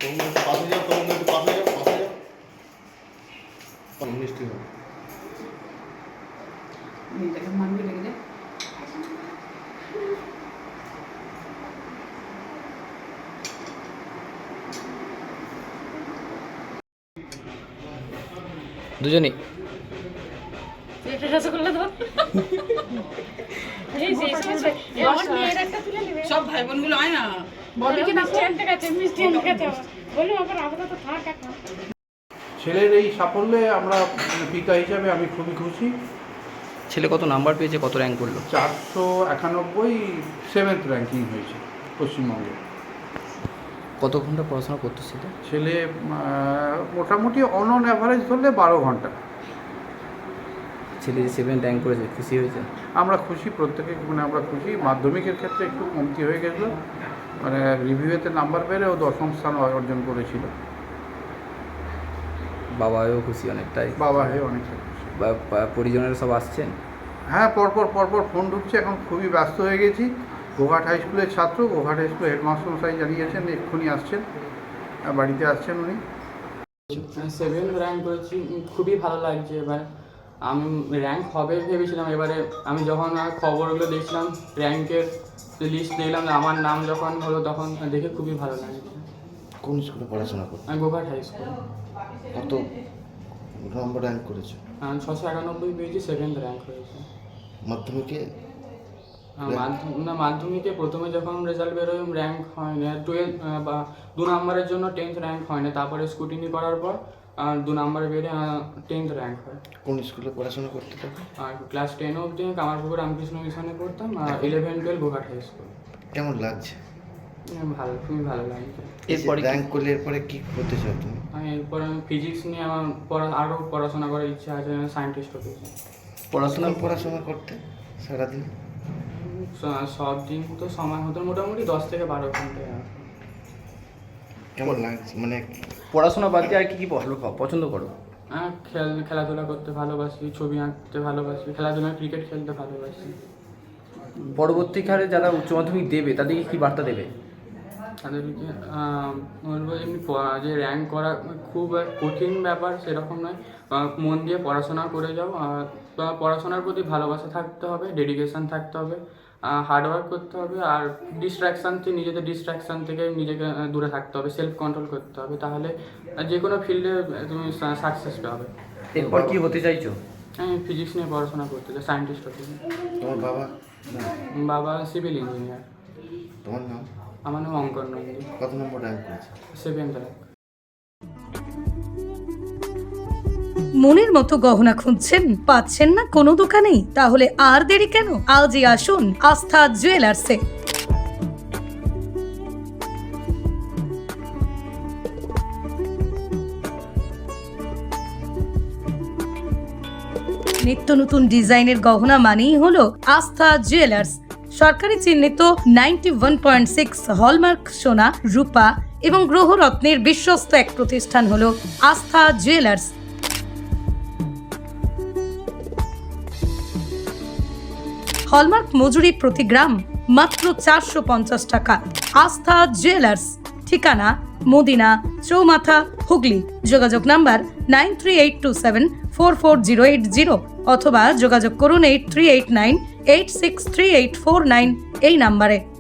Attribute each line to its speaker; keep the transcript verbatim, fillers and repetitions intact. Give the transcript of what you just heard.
Speaker 1: পাশে যাও, তোমরা একটু পাশে যাও, পাশে যাও। মিষ্টি হবে।
Speaker 2: মেয়েটাকে মানবি লেগে যায়।
Speaker 3: দুজনেই
Speaker 4: এটা রসগোল্লা দাও। এই যে সমস্ত আমার মেয়ের একটা তুলে নেবে।
Speaker 2: সব ভাই বোনগুলো হয় না,
Speaker 4: বলে কি মিষ্টি আনতে গেছে, মিষ্টি আনতে গেছে। বলি আবার আপাতত থাক এখন।
Speaker 5: ছেলের এই সাফল্যে আমরা পিতা হিসাবে আমি খুবই খুশি।
Speaker 3: ছেলে কত নাম্বার পেয়েছে, কত র্যাঙ্ক করলো?
Speaker 5: চারশো একানব্বই সেভেন্থ র্যাঙ্কিং হয়েছে পশ্চিমবঙ্গে।
Speaker 3: কত ঘন্টা পড়াশোনা করতো সেটা?
Speaker 5: ছেলে আহ, মোটামুটি অন অন অ্যাভারেজ ধরলে বারো ঘন্টা।
Speaker 3: ছেলে যে সেভেন র্যাঙ্ক করেছে, খুশি হয়েছে?
Speaker 5: আমরা খুশি, প্রত্যেকে মানে আমরা খুশি। মাধ্যমিকের ক্ষেত্রে একটু কমতি হয়ে গেছিলো, মানে রিভিউতে নাম্বার পেলে ও দশম স্থান অর্জন করেছিল।
Speaker 3: বাবাও খুশি অনেকটাই?
Speaker 5: বাবা হয়ে অনেকটা খুশি।
Speaker 3: বা- বা পরিজনেরা সব আসছেন?
Speaker 5: হ্যাঁ, পরপর পরপর ফোন ঢুকছে। এখন খুবই ব্যস্ত হয়ে গেছি। গোঘাট হাই স্কুলের ছাত্র, গোঘাট হাই স্কুলের হেডমাস্টার মশাই জানিয়েছেন এক্ষুনি আসছেন, আহ, বাড়িতে আসছেন উনি।
Speaker 6: সেভেন র্যাঙ্ক করেছি, খুবই ভালো লাগছে। এবার আমি র্যাঙ্ক হবে ভেবেছিলাম, এবারে আমি যখন খবরগুলো দেখছিলাম, র্যাঙ্কের লিস্ট দেখলাম, আমার নাম যখন হলো তখন দেখে খুবই ভালো লাগছে।
Speaker 1: কোন স্কুলে পড়াশোনা করো?
Speaker 6: আমি গোঘাট হাই স্কুল
Speaker 1: কত নম্বর র্যাঙ্ক করেছো?
Speaker 6: ছশো একানব্বই পেয়েছি, সেভেন্থ র্যাঙ্ক হয়েছে।
Speaker 1: মাধ্যমিকে?
Speaker 6: আহ, মাধ্যম না মাধ্যমিকে প্রথমে যখন রেজাল্ট বেরোয় র্যাঙ্ক হয় না, টুয়েলভ বা দু নম্বরের জন্য টেন্থ র্যাঙ্ক হয় না, তারপরে স্কুটিনি করার পর আর দু নম্বরে বেরিয়ে টেন্থ র্যাঙ্ক হয়।
Speaker 1: কোন স্কুলে পড়াশোনা করতে থাকো?
Speaker 6: আর ক্লাস টেন অবধি কামারপুকুর রামকৃষ্ণ মিশনে পড়তাম, আর eleven twelve Goghat high school.
Speaker 1: কেমন লাগছে?
Speaker 6: ভালো, খুবই ভালো লাগছে।
Speaker 3: এরপরে কি-
Speaker 1: র্যাঙ্ক করলে এরপরে কি করতে চাও তুমি?
Speaker 6: আমি এরপরে আমি ফিজিক্স নিয়ে আমার পড়া আরও পড়াশোনা করার ইচ্ছা আছে, সায়েন্টিস্ট হতে চাই।
Speaker 3: পড়াশোনা
Speaker 1: কোন পড়াশোনা করতে সারাদিন?
Speaker 6: স- সব দিন তো সময় হতো মোটামুটি দশ থেকে বারো ঘন্টা।
Speaker 1: কেমন লাগছে মানে?
Speaker 3: পড়াশোনা বাদ দিয়ে আর কি কি ভালো খাও, পছন্দ করো?
Speaker 6: হ্যাঁ, খেল খেলাধুলা করতে ভালোবাসি, ছবি আঁকতে ভালোবাসি, খেলাধুলা ক্রিকেট খেলতে ভালোবাসি।
Speaker 3: পরবর্তীকালে যারা উচ্চ মাধ্যমিক দেবে তাদেরকে কি বার্তা দেবে?
Speaker 6: তাদেরকে আহ, বলবো এমনি প- যে র্যাঙ্ক করা খুব এক কঠিন ব্যাপার সেরকম নয়। আহ, মন দিয়ে পড়াশোনা করে যাও, আর বা পড়াশোনার প্রতি ভালোবাসা থাকতে হবে, ডেডিকেশন থাকতে হবে, হার্ডওয়ার্ক করতে হবে, আর ডিস্ট্র্যাকশান থেকে নিজেদের ডিস্ট্র্যাকশান থেকে নিজেকে আহ, দূরে থাকতে হবে, সেলফ কন্ট্রোল করতে হবে, তাহলে আহ, যে কোনো ফিল্ডে তুমি সাকসেস পাবে।
Speaker 3: এরপর কি হতে চাইছো?
Speaker 6: আমি ফিজিক্স নিয়ে পড়াশোনা করতে চাই, সায়েন্টিস্ট হতে চাই।
Speaker 1: তোমার বাবা?
Speaker 6: বাবা সিভিল ইঞ্জিনিয়ার।
Speaker 1: তোমার নাম?
Speaker 6: আমার নাম অঙ্কন নন্দী,
Speaker 1: কত নম্বর র্যাঙ্ক করেছে?
Speaker 6: Seventh rank.
Speaker 7: মনের মতো গহনা খুঁজছেন, পাচ্ছেন না কোনো দোকানেই? তাহলে আর দেরি কেন, আজই আসুন আস্থা জুয়েলার্সে। নিত্য নতুন ডিজাইনের গহনা মানেই হলো আস্থা জুয়েলার্স। সরকারি চিহ্নিত ninety one point six hallmark সোনা, রূপা এবং গ্রহরত্নের বিশ্বস্ত এক প্রতিষ্ঠান হলো আস্থা জুয়েলার্স। হলমার্ক মজুরি প্রতি গ্রাম মাত্র চারশো পঞ্চাশ টাকা। আস্থা জুয়েলার্স, ঠিকানা মদিনা চৌমাথা, হুগলি। যোগাযোগ number nine three eight two seven four four zero eight zero অথবা যোগাযোগ করুন eight three eight nine eight six three eight four nine এই নাম্বারে।